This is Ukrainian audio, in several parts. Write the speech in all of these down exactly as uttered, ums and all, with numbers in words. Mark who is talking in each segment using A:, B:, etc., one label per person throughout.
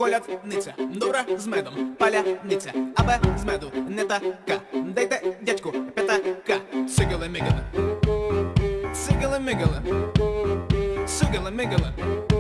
A: колядниця, добра з медом, паляниця, аби з меду не така. Дайте дядьку п'ятака, цигали-мигали, цигали-мигали, цигали-мигали,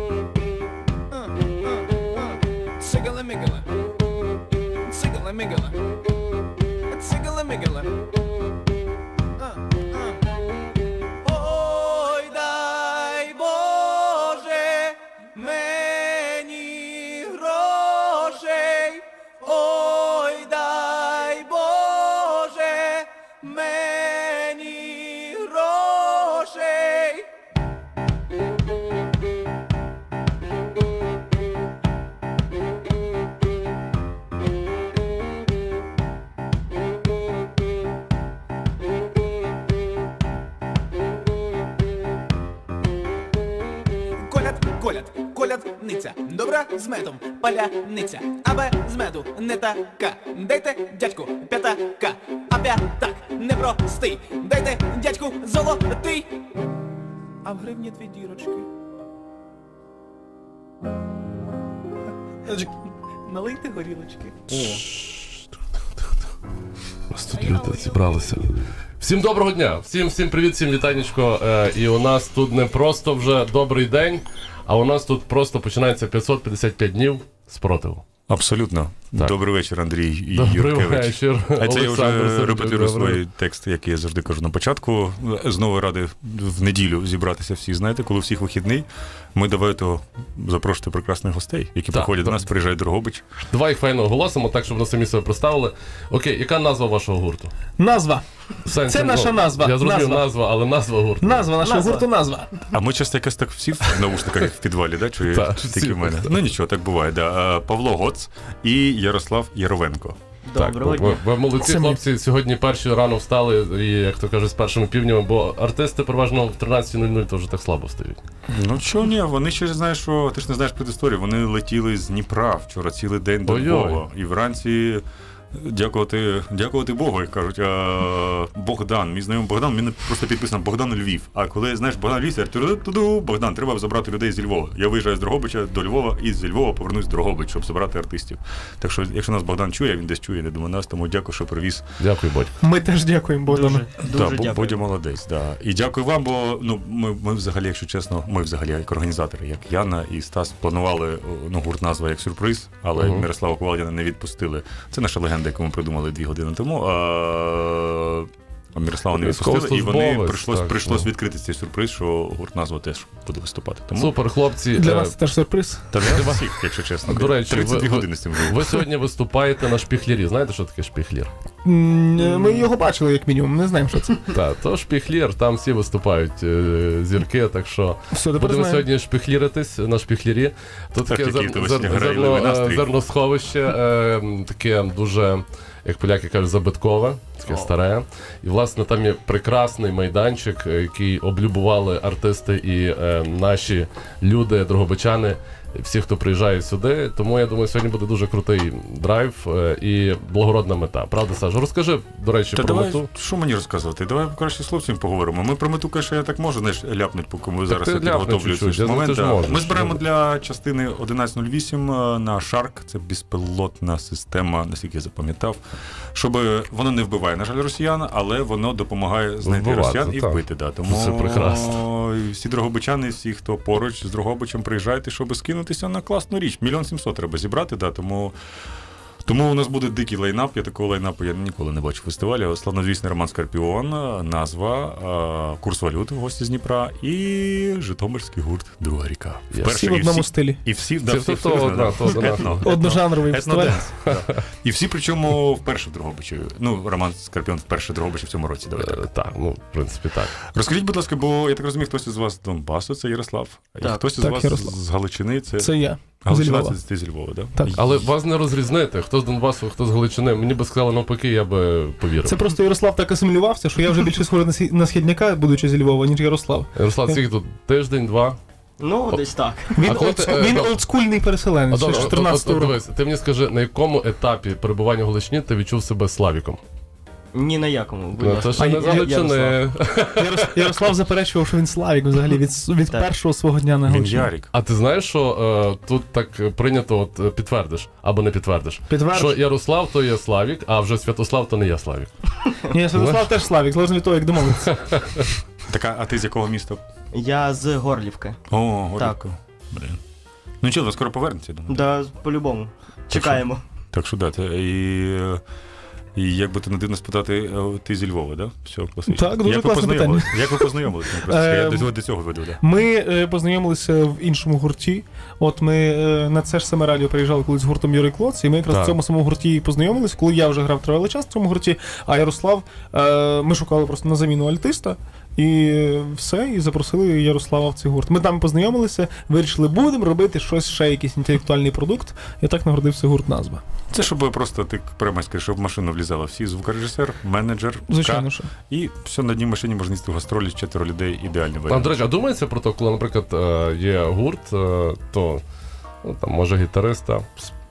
A: цигали-мигали, цигали-мигали, цигали-мигали. Ой, дай Боже мені грошей, ой, дай Боже мені грошей. Коляд, коляд, колядниця, добра з медом, паляниця, аби з меду не така. Дайте дядьку п'ятака, а п'ятак непростий. Дайте дядьку золотий. А в гривні дві дірочки. Налийте горілочки.
B: Ось тут люди зібралися. Всім доброго дня, всім всім привіт, всім вітанечко. Е, і у нас тут не просто вже добрий день, а у нас тут просто починається п'ятсот п'ятдесят п'ять днів спротиву.
C: Абсолютно.
B: Так.
C: Добрий вечір, Андрій
B: Добрий
C: Юркевич.
B: вечір,
C: А це я
B: Олександр
C: вже
B: Сергійович,
C: репетирую
B: добрий.
C: свій текст, який я завжди кажу на початку. Знову радий в неділю зібратися всі, знаєте, коли у всіх вихідний. Ми давайте запрошувати прекрасних гостей, які
B: Так,
C: приходять до
B: так.
C: нас, приїжджають до Дрогобич.
B: Давай їх файно оголосимо, так, щоб вони самі себе представили. Окей, яка назва вашого гурту?
D: Назва.
B: В сенсі,
D: Це наша назва.
B: Я зрозумів
D: Назва.
B: назва, але назва гурту.
D: Назва нашого
A: Назва.
D: гурту назва.
C: А ми часто якось так всі в наушниках як в підвалі, да? Чи
B: Так,
C: чи
B: всі
C: тільки в мене?
B: так.
C: Ну нічого, так буває. Да. А, Павло Гоц і Ярослав Яровенко.
B: Так,
A: Доброго
B: ви,
A: дня.
B: ви молодці,
D: Це ми.
B: хлопці, сьогодні перші рано встали, і, як то кажуть, з першими півднями, бо артисти переважно в тринадцятій нуль нуль то вже так слабо встають.
C: Ну чого ні, вони ще знаєш, що ти ж не знаєш предісторію. Вони летіли з Дніпра вчора цілий день до
B: Ой-ой.
C: Львова. І вранці дякувати, дякувати Богу, як кажуть. А, Богдан, мій знайомий Богдан, він просто підписано Богдан Львів. А коли знаєш Богдан Львів, це туду, Богдан, треба забрати людей зі Львова. Я виїжджаю з Дрогобича до Львова і з Львова повернусь в Дрогобич, щоб забрати артистів. Так що, якщо нас Богдан чує, він десь чує, не думаю нас, тому дякую, що привіз.
B: Дякую, Бодь.
D: Ми теж дякуємо Богдану.
C: Так, Бо- Бодя молодець, да. І дякую вам, бо ну ми, ми взагалі, якщо чесно, ми взагалі як організатори, як Яна і Стас, планували ну, гурт назва як сюрприз, але
B: Мгм.
C: Мирослава Ковалдіна не відпустили. Це наша легенда, яку ми придумали дві години тому. А... А Мирослава не відпустили, і вони
B: Військовослужбовець,
C: прийшлось,
B: так,
C: прийшлось
B: ну.
C: відкрити цей сюрприз, що гурт назва теж буде виступати. Тому
B: Супер, хлопці.
D: Для
B: е,
D: нас це теж сюрприз.
C: та для всіх, якщо чесно.
B: До речі,
C: тридцять дві
B: ви-
C: години з цим живу.
B: Ви сьогодні виступаєте на шпіхлірі. Знаєте, що таке шпіхлір?
D: М, Ми його бачили, як мінімум, не знаємо, що це.
B: Так, то шпіхлір, там всі виступають е, зірки, так що
D: Все, тепер
B: будемо
D: знаємо.
B: сьогодні шпіхліритись на шпіхлірі. Тут
C: Так,
B: таке
C: який
B: зер,
C: у тебе
B: зер,
C: сьогодні
B: зерно,
C: грайливий
B: е,
C: настрій.
B: зерносховище, е, таке дуже, як поляки кажуть, забиткове, таке старе. І, власне, там є прекрасний майданчик, е, який облюбували артисти і е, наші люди, дрогобичани, всі, хто приїжджає сюди. Тому, я думаю, сьогодні буде дуже крутий драйв е, і благородна мета. Правда, Саша? Розкажи, до речі,
C: Та
B: про
C: давай,
B: мету.
C: що мені розказувати? Давай краще з хлопцями поговоримо. Ми про мету, конечно, я так можу, знаєш, ляпнуть, поки ми зараз
B: ти ляпни
C: підготовлюю
B: чуть-чуть,
C: цей
B: я знаю,
C: момент.
B: ти ж
C: Да.
B: можеш.
C: Ми збираємо для частини одинадцять нуль вісім е, на Шарк, це безпілотна система, наскільки я запам'ятав, щоб воно не вбиває, на жаль, росіян, але воно допомагає знайти
B: Вбивати,
C: росіян і
B: так.
C: вбити. Да. Тому
B: Це прекрасно.
C: всі дрогобичани, всі, хто поруч з Дрогобичем, приїжджайте, щоб скинутися на класну річ. Мільйон сімсот треба зібрати, да, тому... Тому у нас буде дикий лайнап, я такого лайнапу я ніколи не бачу в фестивалі. Славнозвісний Роман Скорпіон, назва, курс валюти, гості з Дніпра і житомирський гурт «Друга ріка».
B: Всі
C: Вперше,
D: Всі в
C: і
D: одному
C: всі-
D: стилі.
C: І всі, да,
B: Це
C: всі,
B: то
C: абсолютно,
B: одна,
C: да.
B: то одна.
C: Етно,
D: Одножанровий фестиваль.
C: етноденс, да. І всі, причому, вперше в Дрогобичі. Ну, Роман Скорпіон вперше в Дрогобичі в цьому році. Давай так.
B: Е, Так, ну, в принципі, так.
C: Розкажіть, будь ласка, бо я так розумію, хтось із вас з Донбасу, це Ярослав, і
A: Так.
C: хтось із
D: Так,
C: вас
D: Ярослав.
C: з Галичини, це...
D: Це я. Зі
C: Галичина,
D: Львова.
C: це ти зі Львова, да?
D: Так.
B: Але вас не розрізнити, хто з Донбасу, хто з Галичини. Мені би сказали навпаки, я би повірив.
D: Це просто Ярослав так асимілювався, що я вже більше схожий на схід- на східняка, будучи зі Львова, ніж Ярослав.
B: Ярослав, скільки тут? Тиждень, два?
E: Ну, десь так.
D: Він,
B: А коли
D: олд-
B: ти, е,
D: він
B: доб-
D: олдскульний
B: А,
D: переселенець, ще
B: добре,
D: з
B: от, от,
D: чотирнадцятого
B: от,
D: року.
B: дивись, ти мені скажи, на якому етапі перебування в Галичині ти відчув себе Славіком?
E: Ні на якому, будь
B: Ну,
E: ласка.
B: то ще
D: А
B: не
D: я-
B: залучений.
D: Ярос- Ярослав заперечував, що він Славік взагалі від, від
E: Так.
D: першого свого дня на
C: Він
D: Галичині.
C: Ярік.
B: А ти знаєш, що е, тут так прийнято, от е, підтвердиш або не підтвердиш,
D: Підтвердиш.
B: що Ярослав то є Славік, а вже Святослав то не є Славік.
D: Ні, Святослав теж Славік, залежно від того, як домовитися.
C: Так, а ти з якого міста?
E: Я з Горлівки.
C: О, Горлівка. Блін. Ну нічого, ви скоро повернеться, я думаю.
E: Да, по-любому. Чекаємо.
C: Так що да, це і, і як би ти не дивно спитати, а ти зі Львова, да? Все, класично.
D: Так, дуже
C: як ви
D: класне
C: познайомились? Як ви познайомилися? Я просто- Я
D: Ем,
C: до цього, до цього веду, да.
D: Ми е, познайомилися в іншому гурті. От ми е, на це ж саме радіо приїжджали колись з гуртом Юрий Клоц, і ми якраз
B: Так.
D: в цьому самому гурті і познайомилися, коли я вже грав тривалий час в цьому гурті, а Ярослав, е, ми шукали просто на заміну альтиста. І все, і запросили Ярослава в цей гурт. Ми там познайомилися, вирішили, будемо робити щось, ще якийсь інтелектуальний продукт, і так нагородився гурт назва.
C: Це щоб просто ти прямо скажеш, щоб в машину влізала всі звукорежисер, менеджер,
D: Звичайно,
C: К,
D: що.
C: і все на одній машині можна їсти в гастролі, четверо людей, ідеальний
B: А,
C: варіант.
B: до речі, а думається про те, коли, наприклад, е, є гурт, е, то ну, там, може гітариста.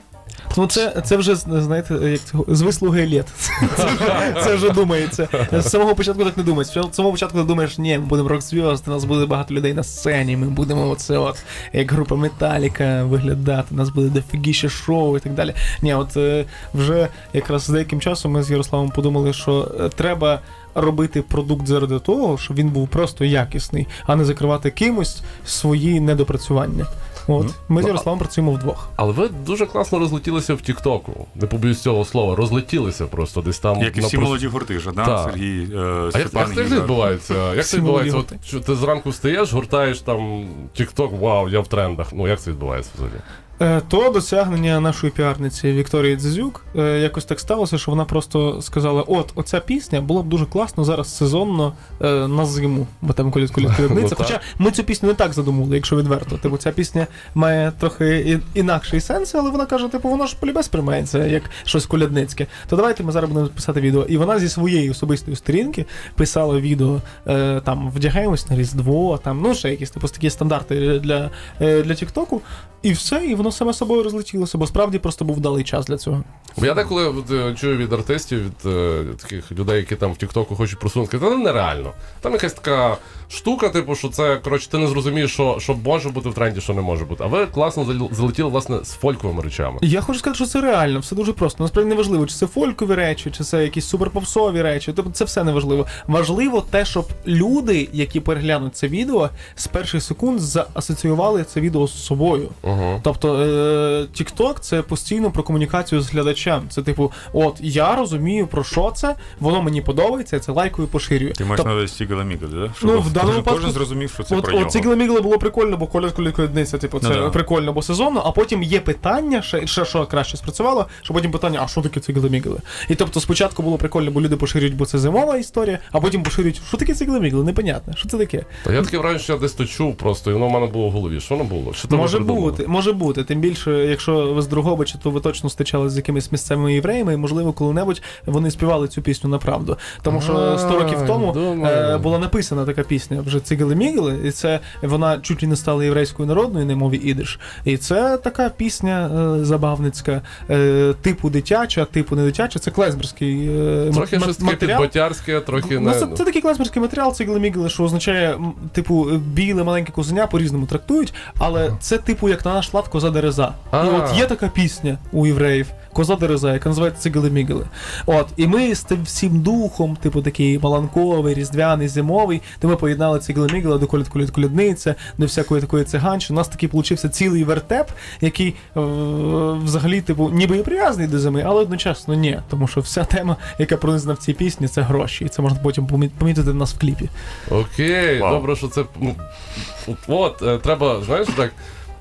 D: Ну це, це вже, знаєте, як цього, з вислуги літ. Це вже, це вже думається. З самого початку так не думається. З самого початку ти думаєш, ні, ми будемо рок-зв'язки, у нас буде багато людей на сцені, ми будемо оце от, як група Металіка виглядати, у нас буде дофігіще шоу і так далі. Ні, от е, вже якраз з деяким часом ми з Ярославом подумали, що е, треба робити продукт заради того, щоб він був просто якісний, а не закривати кимось свої недопрацювання. От. Ми з Ярославом працюємо вдвох.
B: Але ви дуже класно розлетілися в Тіктоку. Не побоюсь цього слова. Розлетілися просто десь там.
C: Як і
B: на
C: всі
B: прос-
C: молоді гурти, Жадан,
B: Так.
C: Сергій, е,
B: А як,
C: Степан,
B: як це
C: Гізар.
B: відбувається? Як
D: Всі
B: це відбувається?
D: молоді
B: От, що ти зранку встаєш, гуртаєш там Тікток, вау, я в трендах. Ну як це відбувається взагалі?
D: Е, То досягнення нашої піарниці Вікторії Дзизюк. Е, Якось так сталося, що вона просто сказала: от, оця пісня було б дуже класно зараз сезонно е, на зиму, бо там коліт коліт колядниця.
B: Ну,
D: Хоча ми цю пісню не так задумали, якщо відверто. Типу, ця пісня має трохи і- інакший сенс, але вона каже, типу, воно ж полюбе сприймається як щось колядницьке. То давайте ми зараз будемо писати відео. І вона зі своєї особистої сторінки писала відео, е, там вдягаємось на Різдво, там, ну ще якісь типу такі стандарти для, е, для Тіктоку. І все, і воно саме собою розлетілося, бо справді просто був вдалий час для цього.
B: Бо я деколи от, е, чую від артистів, від е, таких людей, які там в Тіктоку хочуть просунути, та нереально. Там якась така штука, типу, що це, коротше, ти не зрозумієш, що, що може бути в тренді, що не може бути. А ви класно зал- залетіли, власне, з фольковими речами.
D: Я хочу сказати, що це реально, все дуже просто. Насправді не важливо, чи це фолькові речі, чи це якісь суперпопсові речі. Тобто це все не важливо. Важливо те, щоб люди, які переглянуть це відео, з перших секунд заасоціювали це відео з собою.
B: Угу.
D: Тобто е, TikTok — це постійно про комунікацію з глядачем. Це типу, от я розумію про що це, воно мені подобається, я це лайкою поширюю.
C: Ти маєш
D: Тоб-
C: на увазі Сігала Мігала, да? Щоб
D: Ну, в даному
C: кожен,
D: випадку-
C: кожен зрозумів, що це
D: От,
C: про нього.
D: от ці Мігли було прикольно, бо коля колядниця, типу, це
C: Ну, да.
D: прикольно, бо сезонно, а потім є питання, ще, ще що краще спрацювало, що потім питання, а що таке циглемігли? І тобто спочатку було прикольно, бо люди поширюють, бо це зимова історія, а потім поширюють, що таке циглемігли, непонятно, що це таке?
B: Та я таке враження, що я десь то чув просто, і воно в мене було в голові. Що воно було? Що там ви
D: Може
B: придумали?
D: бути, може бути. Тим більше, якщо ви з Дрогобича, то ви точно стичали з якимись місцевими євреями, і можливо, коли-небудь вони співали цю пісню на правду. Тому що
B: А,
D: сто років тому
B: думаю.
D: е, була написана така пісня вже Цигели-Мігели, і це вона чуть ли не стала єврейською народною на мові ідиш. І це така пісня е, забавницька, е, типу дитяча, типу не дитяча, це клезмерський е,
B: Трохи
D: ма-
B: щось таке
D: матеріал.
B: підботярське, трохи
D: Ну,
B: не...
D: це, це такий класмерський матеріал, цигли-мігли, що означає, м, типу, біле маленьке козеня по-різному трактують, але це типу як на наш лад коза дереза.
B: А.
D: І от є така пісня у євреїв, коза дереза, яка називається цигли-мігли. От, і ми з тим всім духом, типу такий маланковий, різдвяний, зимовий, то ми поєднали цигли-мігли до колід колід колядниця, до всякої такої циганщини. У нас такий получився цілий вертеп, який е, взагалі, типу, ніби і прив'язаний до зими, але одночасно ні. Тому що вся тема, яка пронизана в цій пісні, це гроші. І це можна потім помі- помітити в нас в кліпі.
B: Окей,
C: Вау.
B: добре, що це. Ну, от, от е, треба, знаєш, так.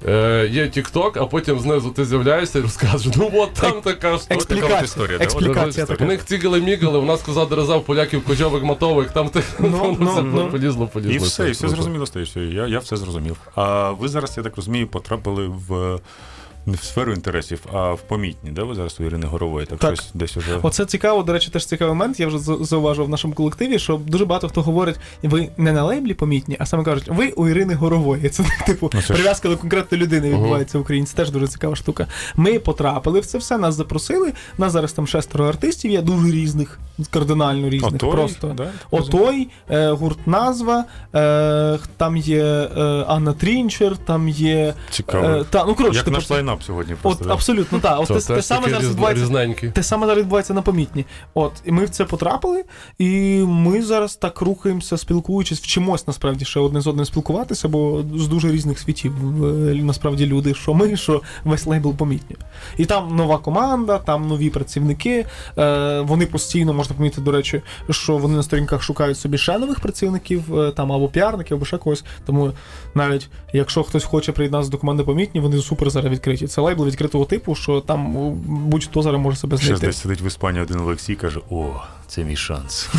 B: Е, є TikTok, а потім знизу ти з'являєшся і розкажеш, ну от там така штука.
D: Експлікація.
C: Така от історія, да?
D: Експлікація
C: От,
B: У них цігали-мігали, у нас коза дереза, в поляків козьовик мотовик, там ти
D: Ну, ну,
B: це
D: ну.
B: полізло, полізло.
C: І все, і все
B: круто.
C: зрозуміло стає. Все, я, я все зрозумів. А ви зараз, я так розумію, потрапили в не в сферу інтересів, а в помітні, да? Ви зараз у Ірини Горової, так,
D: Так.
C: щось десь уже.
D: Оце цікаво, до речі, теж цікавий момент. Я вже за- зауважив в нашому колективі, що дуже багато хто говорить, ви не на лейблі помітні, а саме кажуть, ви у Ірини Горової. Це типу
C: Ну, це ж-
D: прив'язка до конкретної людини відбувається в Україні. Це теж дуже цікава штука. Ми потрапили в це все, нас запросили. Нас зараз там шестеро артистів є, дуже різних. кардинально різних.
C: Отой,
D: просто.
C: да?
D: Отой, е, гурт назва, е, там є е, Анна Трінчер, там є.
C: Цікаво.
D: Е, та, ну, коротше,
C: Як
D: типу,
C: наш лайнап сьогодні
D: От,
C: просто. да.
D: абсолютно, так. От
B: Це
D: те, те
B: теж
D: саме
B: такі
D: зараз
B: різ-
D: відбувається.
B: різненькі.
D: Те саме зараз відбувається на Помітні. От, і ми в це потрапили, і ми зараз так рухаємося, спілкуючись, вчимось насправді ще одне з одним спілкуватися, бо з дуже різних світів е, насправді люди, що ми, що весь лейбл Помітні. І там нова команда, там нові працівники. Е, вони постійно, можна помітити, до речі, що вони на сторінках шукають собі ще нових працівників, е, там або піарників, або ще когось. Тому навіть якщо хтось хоче приєднатися до команди Помітні, вони супер зараз відкриті. Це лейбл відкритого типу, що там о, будь-хто зараз може себе
C: Ще
D: знайти.
C: десь сидить в Іспанії один Олексій, каже: о, це мій шанс.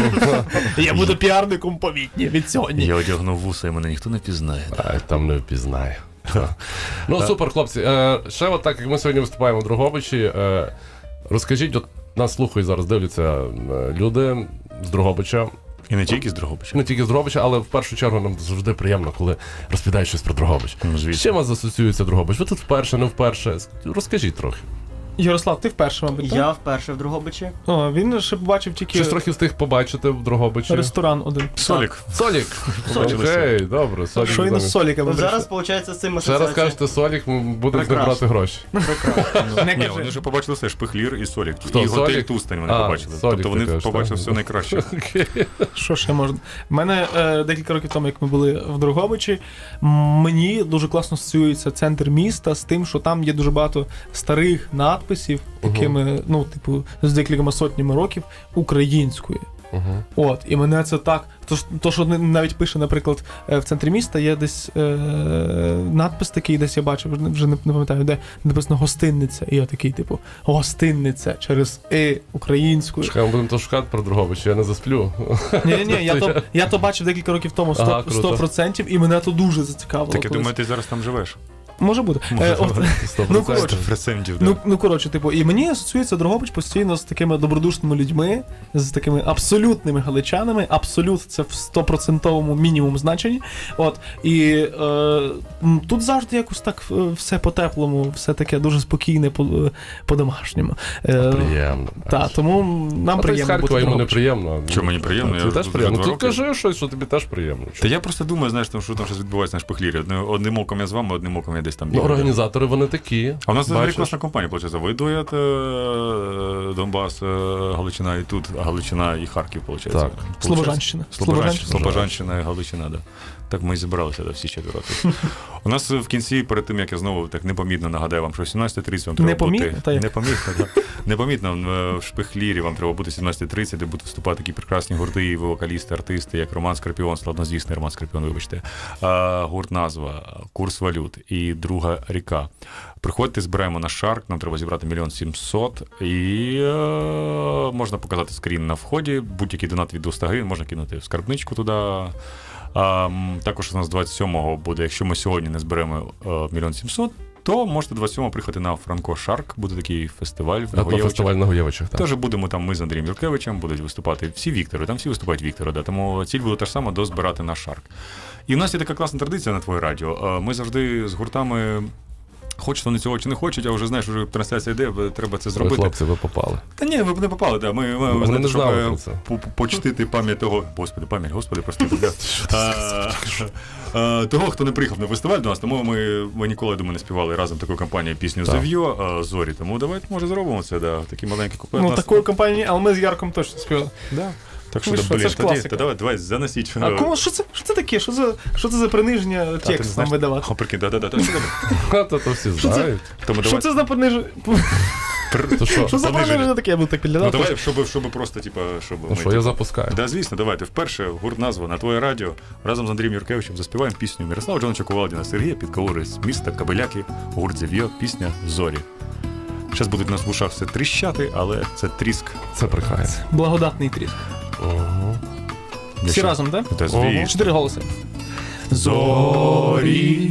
D: Я буду піарником Помітні від сьогодні.
C: Я одягнув вуса, і мене ніхто не пізнає.
B: Ай, там не впізнає. Ну, супер, хлопці. Е, ще от так, як ми сьогодні виступаємо в Дрогобичі, е, розкажіть, от нас слухають зараз, дивляться е, люди з Дрогобича.
C: І не тільки з Дрогобича.
B: Не тільки з Дрогобича, але в першу чергу нам завжди приємно, коли розповідають щось про Дрогобич.
C: Ну,
B: З
C: звісно.
B: чим вас асоціюється Дрогобич? Ви тут вперше, не вперше? Розкажіть трохи.
D: Ярослав, ти вперше, мабуть, так?
E: Я вперше в Дрогобичі.
D: О, він ще побачив тільки
B: Щось трохи встиг побачити в Дрогобичі.
D: ресторан один.
C: Солік.
B: Солік.
C: Побачили
B: Окей, добре. Солік.
D: Що він
B: добре.
D: з Соліками
E: Ну, зараз, виходить, з цим
B: Ще раз
E: асоціація.
B: кажете Солік, ми будемо з ним
E: Прекрасно.
B: брати гроші.
D: Не
C: Ні,
D: кажи.
C: вони вже побачили все, Шпихлір і Солік.
B: Хто,
C: і готель
B: Солік?
C: Тустань вони
B: А,
C: побачили.
B: Солік
C: Тобто вони
B: ти кажеш,
C: побачили
B: так?
C: все найкраще.
D: Що ще можна? У мене е, декілька років тому, як ми були в Дрогобичі, мені дуже класно асоціюється центр міста з тим, що там є дуже багато старих надписів, якими, ну, типу, з декількома сотнями років українською.
B: Угу.
D: От, і мене це так. То, ж- то що навіть пише, наприклад, е, в центрі міста є десь е, надпис такий, десь я бачив, вже не- вже не, не пам'ятаю, де написано гостинниця. І я такий, типу, гостинниця через «и» українською.
B: Чекай, ми будемо то шукати про Дрогобич, я не засплю.
D: Ні, ні, ні, я то, я то бачив декілька років тому
B: Ага,
D: сто
B: круто.
D: процентів, і мене то дуже зацікавило.
C: Так я
D: колись.
C: думаю, ти зараз там живеш.
D: Може бути.
C: Може
D: Е, от,
C: бути.
B: сто
D: Ну,
B: процентів.
D: коротше.
C: Фресендів,
D: ну, ну, коротше, типу, і мені асоціюється Дрогобич постійно з такими добродушними людьми, з такими абсолютними галичанами. Абсолют це в стопроцентовому мінімум значенні. От, і е, м, тут завжди якось так е, все по-теплому, все таке дуже спокійне, по- е, по-домашньому. Е,
B: Приємно.
D: та, тому нам
B: А ти з
D: приємно бути
B: Харкова
D: в
B: йому не
D: Дрогобичі.
B: приємно.
C: Що, мені приємно?
B: Це
C: Я
B: теж
C: тут вже
B: приємно.
C: два
B: Ти
C: роки.
B: кажи щось, що тобі теж приємно.
C: Та я просто думаю, знаєш, там, що там щось відбувається на Шпихлірі. Одне- Одним оком я з вами, одним оком я десь там
B: Ну,
C: бігаю.
B: організатори вони такі.
C: А у нас взагалі
B: Бачиш?
C: класна компанія, виходить. Ви дуєте е, Донбас, е, Галичина і тут, а Галичина і Харків, виходить.
B: Так.
D: Слобожанщина.
C: Слобожанщина, Слобожанщина і Галичина, да. Так ми і зібралися да, всі четверо. тут. У нас в кінці, перед тим, як я знову так непомітно нагадаю вам, що сімнадцята тридцять вам треба
D: Непомітно?
C: бути...
D: Та як?
C: Непомітно, так. Непомітно е, в Шпихлірі вам треба бути сімнадцята тридцять, де будуть виступати такі прекрасні гурти, і вокалісти, артисти, як Роман Скорпіон, славнозвісний Роман Скорпіон, вибачте, а, гурт назва, курс валют і друга ріка. Приходьте, збираємо на шарк, нам треба зібрати мільйон сімсот, і е, можна показати скрін на вході, будь-який донат від двісті гривень можна кинути в скарбничку туди. А, м, також у нас двадцять сьомого буде, якщо ми сьогодні не зберемо е, мільйон сімсот, то можете двадцять сьомого приїхати на Франко Шарк, буде такий фестиваль в
B: А то
C: Нагоєвичах.
B: фестиваль на Гуєвичах. так.
C: Теж будемо там ми з Андрієм Юркевичем, будуть виступати всі Віктори, там всі виступають Віктори, да, тому ціль буде та ж сама дозбирати на Шарк. І в нас є така класна традиція на твоє радіо. Е, Ми завжди з гуртами. Хочуть вони цього чи не хочуть, а вже знаєш, вже трансляція йде, треба це
B: Ви,
C: зробити.
B: хлопці, ви попали.
C: Та ні, ви б не попали, да. Ми, ми,
B: Вони
C: ви знаєте,
B: не
C: щоб
B: знали
C: е,
B: про це.
C: по- по- почтити пам'ять того. Господи, пам'ять, господи, прости. да. А, а, Того, хто не приїхав на фестиваль до нас, тому ми, ми ніколи, я думаю, не співали разом таку кампанію пісню
B: Так.
C: «Зав'йо» Зорі. Тому давайте, може, зробимо це, да. Такий маленький куплет.
D: Ну,
C: Нас-
D: такої компанії, але ми з Ярком точно співали.
C: Да. Так що,
D: Ви
C: да,
D: що,
C: блін,
D: це ж
C: тоді,
D: класика.
C: та давай, давай, заносіть.
D: А кому, що це, що це таке? Що це, що це за приниження
C: Та, ти не
D: текст нам
C: знаєш?
D: видавати?
C: О, прикинь, да-да-да. та що таке?
B: А то, то всі
D: Що це?
B: знають.
C: Тому
D: Що
C: давай,
D: це за приниження?
B: То що?
D: Що за
C: Пониження.
D: приниження таке? Я буду так
C: ну
D: підглядати.
C: давай, щоб, щоб просто, типа, щоб
B: Ну
C: ми,
B: що,
C: типу,
B: я запускаю.
C: Да, звісно, давайте. Вперше гурт назва на твоє радіо разом з Андрієм Юркевичем заспіваємо пісню Мирослава Джоновича Кувалдіна, Сергія Підкалури з міста Кабеляки, гурт «Зав'йо», пісня «Зорі». Зараз будуть на вушах все тріщати, але це тріск.
B: Це прикає.
D: Благодатний тріск.
B: Ого.
D: Всі
C: Якщо-
D: разом, так?
C: Та звісно.
D: Чотири голоси.
B: Зорі.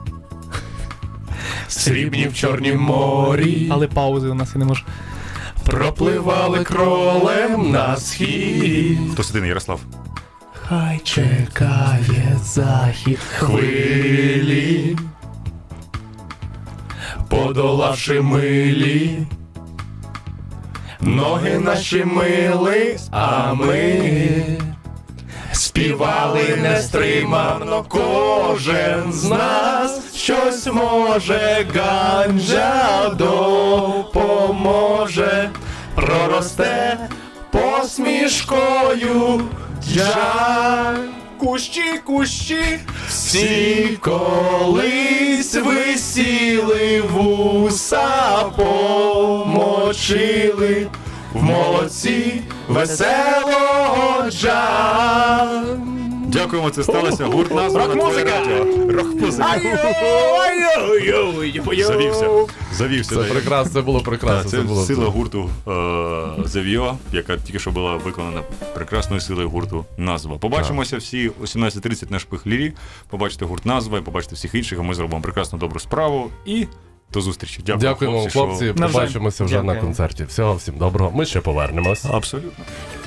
B: Срібні в чорнім морі.
D: Але паузи у нас я не можу.
B: Пропливали кролем на схід.
C: Хто сидить, Ярослав?
D: Хай чекає захід
B: Хвилі, подолавши милі, ноги наші мили, а ми співали нестримано, кожен з нас щось може, ганджа допоможе, проросте посмішкою джа.
A: Кущі, кущі,
B: Всі колись висіли, вуса помочили, в молодці веселого джа.
C: Дякуємо, це сталося. Гурт назва на твоє радіо. Рок-музика. Завівся. Завівся.
B: Це
C: да.
B: прекрасно, це було
C: Так,
B: прекрасно.
C: це
B: Це було
C: сила гурту е, The Vio, яка тільки що була виконана прекрасною силою гурту Назва. Побачимося всі о сімнадцята тридцять на Шпихлірі. Побачите гурт Назва і побачите всіх інших, а ми зробимо прекрасну добру справу. І до зустрічі. Дякую,
B: Дякуємо вам,
C: хлопці,
B: хлопці.
C: що-
D: Навзаєм.
B: Побачимося вже на
E: Дякуємо.
B: концерті. Всього всім доброго. Ми ще повернемось.
C: Абсолютно.